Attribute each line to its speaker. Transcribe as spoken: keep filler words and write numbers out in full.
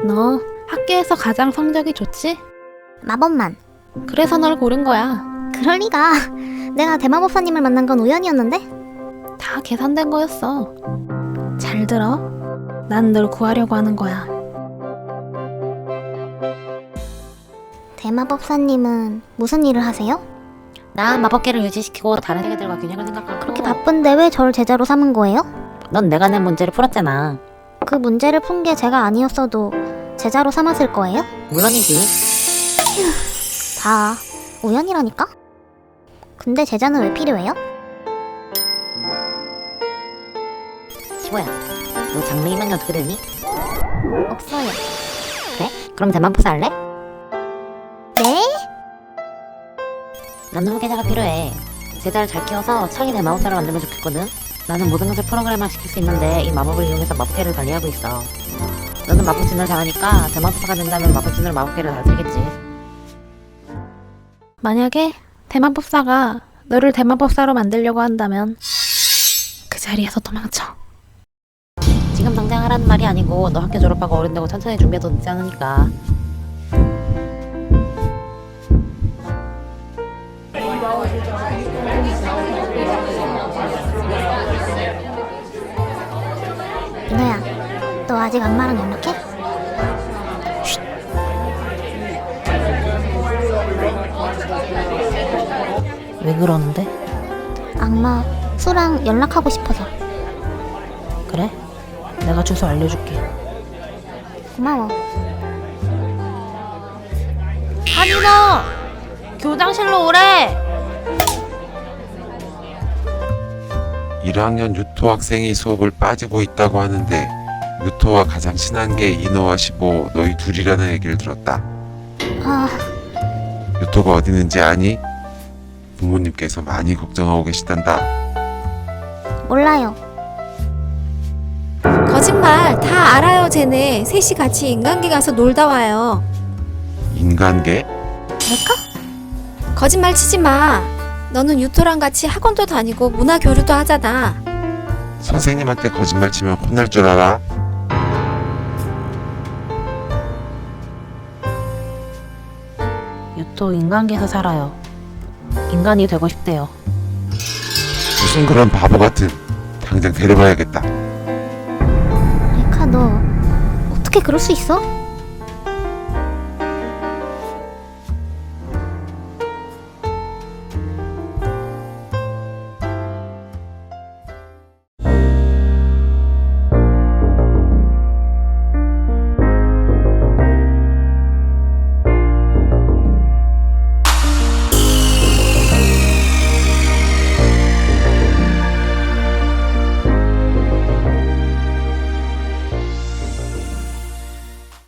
Speaker 1: 너 학교에서 가장 성적이 좋지?
Speaker 2: 마법만.
Speaker 1: 그래서 널 고른 거야.
Speaker 2: 그럴 리가. 내가 대마법사님을 만난 건 우연이었는데?
Speaker 1: 다 계산된 거였어. 잘 들어. 난 널 구하려고 하는 거야.
Speaker 2: 대마법사님은 무슨 일을 하세요?
Speaker 3: 난 마법계를 유지시키고 다른 세계들과 균형을 생각하고.
Speaker 2: 그렇게 바쁜데 왜 절 제자로 삼은 거예요?
Speaker 3: 넌 내가 낸 문제를 풀었잖아.
Speaker 2: 그 문제를 푼 게 제가 아니었어도 제자로 삼았을 거예요?
Speaker 3: 물론이지.
Speaker 2: 다 우연이라니까? 근데 제자는 왜 필요해요?
Speaker 3: 시보야, 너 장래희망이 어떻게 되니?
Speaker 2: 없어요.
Speaker 3: 그래? 그럼 대마법사 할래?
Speaker 2: 네?
Speaker 3: 나는 후계자가 필요해. 제자를 잘 키워서 차기 대마법사를 만들면 좋겠거든. 나는 모든 것을 프로그램화 시킬 수 있는데 이 마법을 이용해서 마법계를 관리하고 있어. 너는 마법진을 잘하니까 대마법사가 된다면 마법진으로 마법계를 다스리겠지.
Speaker 1: 만약에 대마법사가 너를 대마법사로 만들려고 한다면 그 자리에서 도망쳐.
Speaker 3: 지금 당장 하라는 말이 아니고 너 학교 졸업하고 어른되고 천천히 준비해도 늦지 않으니까.
Speaker 2: 민호야, 너 아직 악마랑 연락해?
Speaker 3: 왜 그러는데?
Speaker 2: 악마 수랑 연락하고 싶어서.
Speaker 3: 그래? 내가 주소 알려줄게.
Speaker 2: 고마워.
Speaker 1: 한인호! 교장실로 오래!
Speaker 4: 일 학년 유토 학생이 수업을 빠지고 있다고 하는데 유토와 가장 친한 게 이노와 시보 너희 둘이라는 얘기를 들었다.
Speaker 2: 아,
Speaker 4: 유토가 어디 있는지 아니? 부모님께서 많이 걱정하고 계시단다.
Speaker 2: 몰라요.
Speaker 5: 거짓말 다 알아요. 쟤네 셋이 같이 인간계 가서 놀다 와요.
Speaker 4: 인간계?
Speaker 2: 내가?
Speaker 5: 거짓말 치지 마. 너는 유토랑 같이 학원도 다니고 문화 교류도 하잖아.
Speaker 4: 선생님한테 거짓말 치면 혼날 줄 알아?
Speaker 3: 유토 인간계에서 살아요. 인간이 되고 싶대요.
Speaker 4: 무슨 그런 바보 같은. 당장 데려가야겠다.
Speaker 2: 레카 너 어떻게 그럴 수 있어?